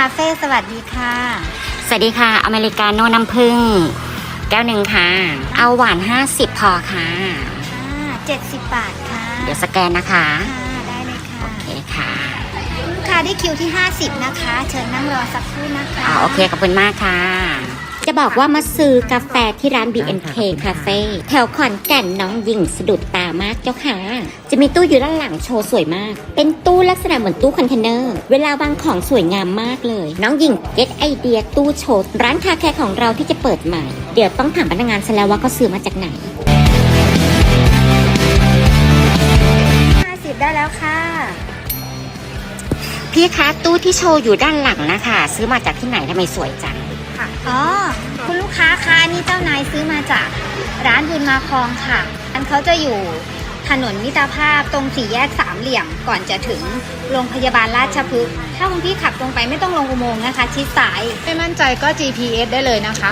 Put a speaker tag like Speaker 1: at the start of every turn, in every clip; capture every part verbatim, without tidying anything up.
Speaker 1: าเฟ่สวัสดีค่ะ
Speaker 2: สวัสดีค่ะอเมริกาโน่น้ำผึ้งแก้วหนึ่งค่ะเอาหวานห้าสิบพอค่ะ
Speaker 1: เจ็ดสิบบาทค่ะ
Speaker 2: เดี๋ยวสแกนนะคะ
Speaker 1: ได้เลยค่ะ
Speaker 2: โอเคค่ะ
Speaker 1: ลูกค้าได้คิวที่ห้าสิบนะคะเชิญนั่งรอสักครู่นะคะ
Speaker 2: อ่าโอเคขอบคุณมากค่ะจะบอกว่ามาซื้อกาแฟที่ร้าน บี เอ็น เค Cafe แถวขอนแก่นน้องหญิงสะดุดตามากเจ้าค่ะจะมีตู้อยู่ด้านหลังโชว์สวยมากเป็นตู้ลักษณะเหมือนตู้คอนเทนเนอร์เวลาวางของสวยงามมากเลยน้องหญิงเก็ตไอเดียตู้โชว์ร้านคาแคร์ของเราที่จะเปิดใหม่เดี๋ยวต้องถามพนักงานซะแล้วว่าเขาซื้อมาจากไหน
Speaker 1: ห้าสิบได้แล้วค่ะ
Speaker 2: พี่คะตู้ที่โชว์อยู่ด้านหลังนะคะซื้อมาจากที่ไหนทำไมสวยจัง
Speaker 1: ค่ะอ๋อคุณลูกค้าคะนี่เจ้านายซื้อมาจากร้านบุญมาคองค่ะอันเขาจะอยู่ถนนมิตรภาพตรงสี่แยกสามเหลี่ยมก่อนจะถึงโรงพยาบาลราชพฤกษ์ถ้าคุณพี่ขับตรงไปไม่ต้องลงอุโมงค์นะคะชิดซ้าย
Speaker 3: ไม่มั่นใจก็ จี พี เอส ได้เลยนะคะ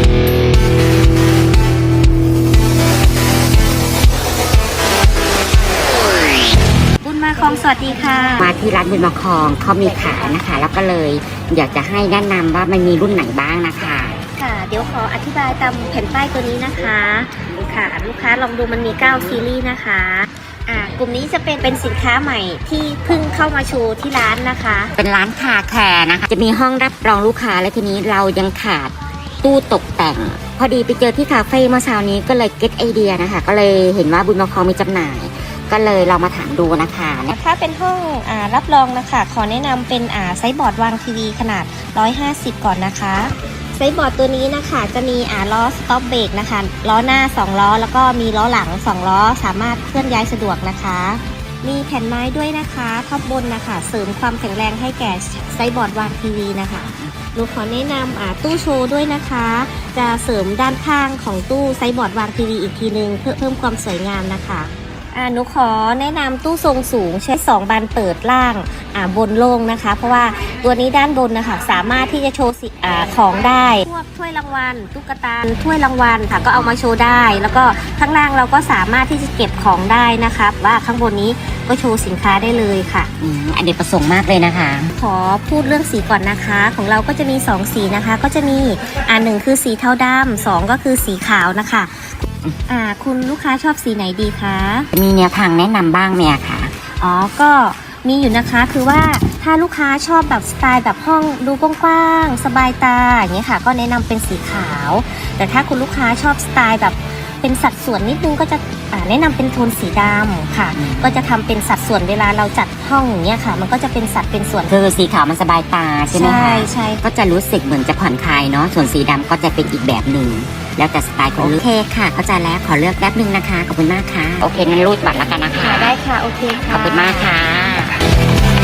Speaker 1: บุญมาคองสวัสดีค่ะ
Speaker 2: มาที่ร้านบุญมาคองเขามีขายนะคะแล้วก็เลยอยากจะให้แนะนำว่ามันมีรุ่นไหนบ้างนะคะ
Speaker 1: ค่ะเดี๋ยวขออธิบายตามแผ่นป้ายตัวนี้นะคะค่ะลูกค้าลองดูมันมีเก้าซีรีส์นะคะอ่ากลุ่มนี้จะเป็นเป็นสินค้าใหม่ที่เพิ่งเข้ามาโชว์ที่ร้านนะคะ
Speaker 2: เป็นร้านคาแคร์นะคะจะมีห้องรับรองลูกค้าและทีนี้เรายังขาดตู้ตกแต่งพอดีไปเจอที่คาเฟ่เมื่อเช้านี้ก็เลยเก็ตไอเดียนะคะก็เลยเห็นว่าบุญมาคองมีจำหน่ายก็เลยเรามาถามดูนะคะ
Speaker 1: ถ้าเป็นห้องอ่ารับรองนะคะขอแนะนำเป็นอ่าไซส์บอร์ดวางทีวีขนาดหนึ่งร้อยห้าสิบก่อนนะคะไซส์บอร์ดตัวนี้นะคะจะมีอ่าล้อสต็อปเบรกนะคะล้อหน้าสองล้อแล้วก็มีล้อหลังสองล้อสามารถเคลื่อนย้ายสะดวกนะคะมีแผ่นไม้ด้วยนะคะท็อปบนนะคะเสริมความแข็งแรงให้แก่ไซส์บอร์ดวางทีวีนะคะหนูขอแนะนำอ่าตู้โชว์ด้วยนะคะจะเสริมด้านข้างของตู้ไซส์บอร์ดวางทีวีอีกทีนึงเพื่อเพิ่มความสวยงามนะคะอ่าหนูขอแนะนำตู้ทรงสูงใช้สองบานเปิดล่างอ่าบนโล่งนะคะเพราะว่าตัวนี้ด้านบนนะคะสามารถที่จะโชว์อ่าของได้พวกถ้วยรางวัลตุ๊กตาถ้วยรางวัลค่ะก็เอามาโชว์ได้แล้วก็ข้างล่างเราก็สามารถที่จะเก็บของได้นะคะว่าข้างบนนี้ก็โชว์สินค้าได้เลยค่ะ
Speaker 2: อืมอันเด็ดประสงค์มากเลยนะคะ
Speaker 1: ขอพูดเรื่องสีก่อนนะคะของเราก็จะมีสองสีนะคะก็จะมีอ่าหนึ่งคือสีเทาดำสองก็คือสีขาวนะคะอ่าคุณลูกค้าชอบสีไหนดีคะ
Speaker 2: มีแนวทางแนะนำบ้างไหมคะ
Speaker 1: อ๋อก็มีอยู่นะคะคือว่าถ้าลูกค้าชอบแบบสไตล์แบบห้องดูกว้างๆสบายตาอย่างเงี้ยค่ะก็แนะนำเป็นสีขาวแต่ถ้าคุณลูกค้าชอบสไตล์แบบเป็นสัดส่วนนิดนึงก็จะแนะนำเป็นโทนสีดำค่ะก็จะทำเป็นสัดส่วนเวลาเราจัดห้องอย่างเงี้ยค่ะมันก็จะเป็นสัดเป็นส่วน
Speaker 2: คือสีขาวมันสบายตาใช่ไหมคะ
Speaker 1: ใช่ใช่
Speaker 2: ก็จะรู้สึกเหมือนจะผ่อนคลายเนาะส่วนสีดำก็จะเป็นอีกแบบหนึ่งแล้วแต่สไตล์ของลูกโอเคค่ะเข้าใจแล้วขอเลือกแป๊บนึงนะคะขอบคุณมากค่ะโอเคงั้นรูดบัตรแล้วกันนะคะ
Speaker 1: ได้ค่ะโอเคค่ะ
Speaker 2: ขอบคุณมากค่ะ